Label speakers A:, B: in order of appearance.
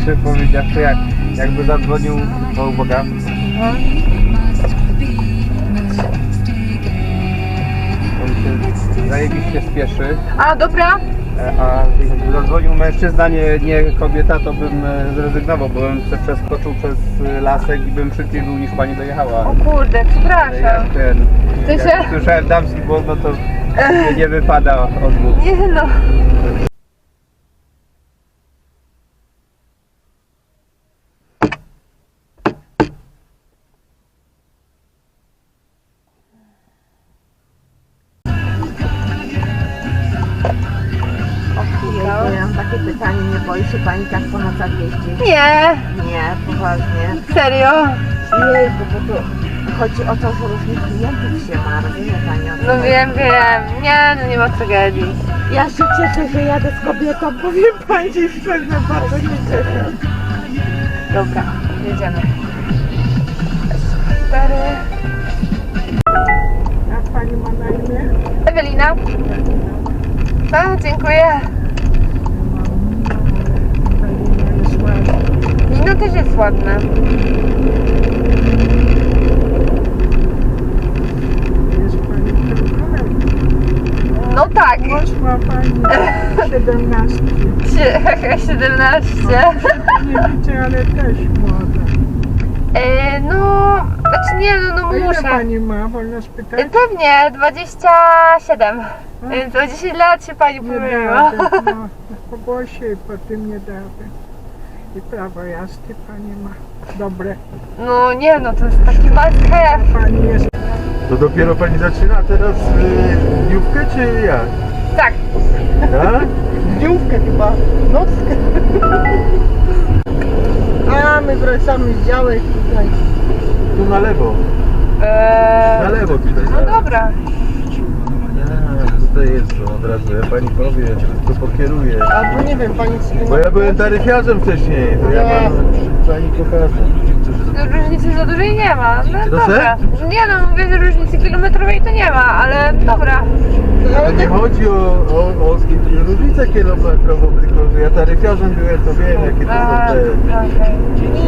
A: szczerze powiedziawszy, jakby zadzwonił, to uwaga. On się zajebiście spieszy.
B: A, dobra.
A: A jakby zadzwonił mężczyzna, nie kobieta, to bym zrezygnował, bo bym przeskoczył przez lasek i bym szybciej był niż pani dojechała.
B: O kurde, przepraszam.
A: Jak słyszałem damski głos, no to nie wypada odmówić.
B: Nie no.
C: Ja mam takie pytanie, nie boi się pani tak po nocach jeździć?
B: Nie,
C: Nie, poważnie.
B: serio.
C: Jejku, bo to chodzi o to, że różnych klientów się ma, rozumie pani o co
B: No
C: chodzi?
B: wiem. Nie, no nie ma tragedii.
C: Ja się cieszę, że jadę z kobietą, powiem pani szczerze, bardzo się cieszę.
B: Dobra, jedziemy. 4.
C: Jak pani ma na imię?
B: Ewelina. Tak, dziękuję. Wino też jest ładne.
C: Jest pani królem.
B: No tak.
C: Ma pani 17.
B: 17.
C: Nie widzę, ale też młoda.
B: No, znaczy nie, no
C: A ile
B: muszę.
C: pani ma, wolno spytać?
B: Pewnie, 27. Więc o 10 lat się pani
C: Nie
B: pomyliła.
C: damy, no, po głosie i po tym nie damy. I prawo jazdy pani ma dobre.
B: No nie, no to jest taki must have.
C: Pani jest.
A: To dopiero pani zaczyna teraz dniówkę, czy jak?
B: Tak.
A: Tak?
C: Dniówkę chyba, nockę. A my wracamy z działek tutaj.
A: Tu na lewo. Na lewo tutaj.
B: No dobra.
A: Tutaj jest to od razu, ja pani powie, to pokieruję.
C: Albo nie wiem, pani
A: Bo ja byłem taryfiarzem wcześniej, to ja mam pani pokażę.
B: Różnicy za dużej nie ma. No
A: Proszę?
B: dobra. Nie no, mówię, że różnicy kilometrowej to nie ma, ale dobra.
A: To nie chodzi o różnicę kilometrową, tylko że ja taryfiarzem byłem, to wiem jakie to są te...
B: Okej.